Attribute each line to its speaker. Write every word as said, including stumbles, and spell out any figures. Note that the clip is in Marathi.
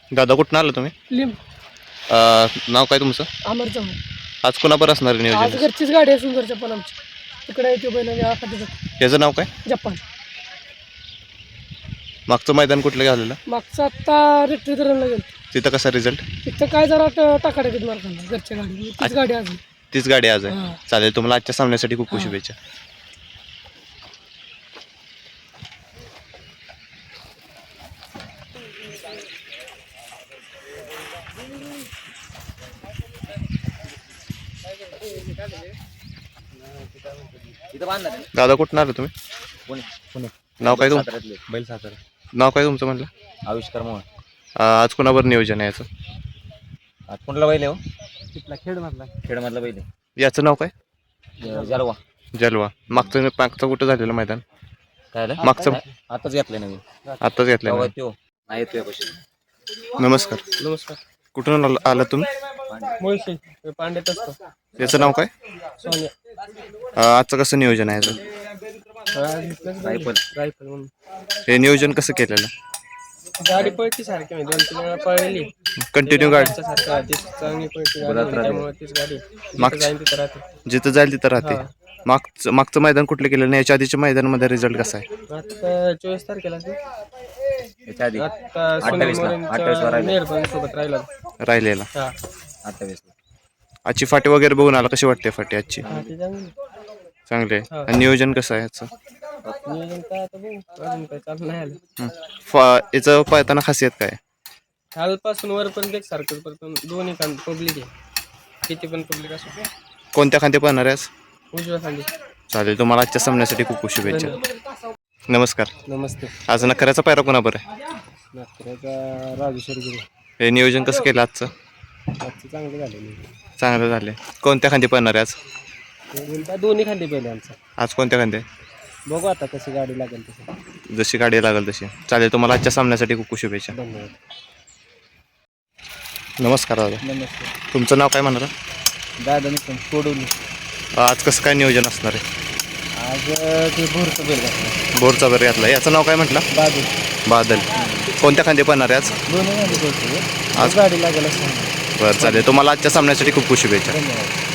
Speaker 1: दादा कुठून आलं तुम्ही?
Speaker 2: लिंब
Speaker 1: अ, नाव काय तुमचं?
Speaker 2: अमर चव्हाण.
Speaker 1: आज कोणाबर असणार आहे
Speaker 2: आज
Speaker 1: नियोजन?
Speaker 2: घरचीच गाडी असून घरच्या पण आमची तिकडे येते बैल खाली
Speaker 1: याचं नाव काय?
Speaker 2: जपान.
Speaker 1: मागचं मैदान कुठलं घाललेलं?
Speaker 2: मागचा आत्ता रेट्री धरणला गेलो.
Speaker 1: तिथं कसा रिझल्ट?
Speaker 2: तिथं काय जरा टाकाटाकीत मारताना घरच्या गाडी तीच गाडी अजून.
Speaker 1: तीच गाडी आज आहे.
Speaker 2: हां.
Speaker 1: चालेल, तुम्हाला आजच्या सामन्यासाठी खूप खूप
Speaker 2: हां.
Speaker 1: शुभेच्छा. दादा कुठून आलं तुम्ही?
Speaker 3: पुणे पुणे
Speaker 1: नाव काय तुम
Speaker 3: साताऱ्यातले बैल सातारा.
Speaker 1: नाव काय तुमचं म्हणलं?
Speaker 3: आविष्कार मोहन.
Speaker 1: अ, आज कोणावर नियोजन आहे याचं?
Speaker 3: आज कुठला बैल आहे हो?
Speaker 2: तिथला खेळमधला
Speaker 3: खेडमधला बैल आहे.
Speaker 1: याचं नाव काय?
Speaker 3: ज- जलवा.
Speaker 1: जलवा. मागचं मागचं कुठं झालेलं मैदान?
Speaker 3: काय झालं?
Speaker 1: मागचं
Speaker 3: आताच घेतलंय नवीन.
Speaker 1: आत्ताच घेतलं.
Speaker 3: तेव्हा त्यो नाही येतोय पैसे.
Speaker 1: नमस्कार.
Speaker 2: नमस्कार.
Speaker 1: कुठून आलं आलं तुम्ही?
Speaker 2: मुळशी पांड्यात असतो.
Speaker 1: याचं नाव काय?
Speaker 2: सोन्या
Speaker 1: अ, आजचं कसं नियोजन आहे याचं?
Speaker 3: रायफल.
Speaker 2: रायफल म्हणून
Speaker 1: हे नियोजन कसं केलेलं?
Speaker 2: गाडी पळती सारखी म्हणजे दोन तीन वेळा पळलेली
Speaker 1: कंटिन्यू गाडी
Speaker 2: सारखं तीच चांगली पळती गाडी
Speaker 3: गुलाब
Speaker 2: त्यामुळे तीच गाडी
Speaker 1: मागचं-
Speaker 2: जाईन तिथं राहते.
Speaker 1: जिथं जाईल तिथं राहते.
Speaker 2: हां.
Speaker 1: मागचं मागचं मैदान कुठलं केलं नाही? याच्या आधीच्या मैदानामध्ये रिझल्ट कसा आहे?
Speaker 2: आता चोवीस तारखेला
Speaker 3: याच्या आधी
Speaker 2: आता
Speaker 3: अठ्ठावीस ला- अठ्ठावीस ला राहिला.
Speaker 2: निर्बंध सोबत राहिला.
Speaker 1: राहिलेला.
Speaker 2: हा
Speaker 3: अठ्ठावीस.
Speaker 1: आजची फाटी वगैरे बघून आला, कशी वाटते फाटी आजची?
Speaker 2: हा ते चांगली.
Speaker 1: चांगले.
Speaker 2: हां.
Speaker 1: आणि नियोजन कसं आहे याचं?
Speaker 2: नियोजन काय आता बघू अजून काय चालू नाही आलं.
Speaker 1: हं. फा याचं पळताना खासियत काय?
Speaker 2: खालपासून वरपर्यंत एक सारखं परत दोन्ही खांद पब्लिक आहे किती पण पब्लिक असो.
Speaker 1: कोणत्या खांदे पळणार आहे आज?
Speaker 2: उजव्या खांदी.
Speaker 1: चालेल, तुम्हाला आजच्या सामन्यासाठी खूप खूप शुभेच्छा.
Speaker 2: धन्यवाद.
Speaker 1: नमस्कार.
Speaker 2: नमस्ते.
Speaker 1: आज नखऱ्याचा पायरा कोणाबर आहे?
Speaker 2: नागपुराचा राजेश्वर गिरी.
Speaker 1: हे नियोजन कसं केलं आजचं?
Speaker 2: आजचं चांगलं झालं.
Speaker 1: चांगलं झाले. कोणत्या खांदे पळणार आहे आज?
Speaker 2: दोन्ही खांदे पहिले आमचं.
Speaker 1: आज कोणत्या खांदे?
Speaker 2: बघू आता कशी गाडी लागेल तसं.
Speaker 1: जशी गाडी लागेल तशी. चालेल, तुम्हाला आजच्या सामन्यासाठी खूप खूप शुभेच्छा.
Speaker 2: धन्यवाद.
Speaker 1: नमस्कार दादा.
Speaker 2: नमस्ते.
Speaker 1: तुमचं नाव काय म्हणता?
Speaker 2: दादा निकम सोडवली.
Speaker 1: आज कसं काय नियोजन असणार आहे?
Speaker 2: आज ते भोरचं बेल घातलं.
Speaker 1: बोरचा बर घातला. याचं नाव काय म्हटलं?
Speaker 2: बाजू
Speaker 1: बादल. कोणत्या खांदे पळणार आहे आज?
Speaker 2: दोन्ही खांदे बोलतो.
Speaker 1: आज
Speaker 2: गाडी लागेल असं.
Speaker 1: बरं, चालेल. तुम्हाला आजच्या सामन्यासाठी खूप खूप शुभेच्छा.
Speaker 2: धन्यवाद.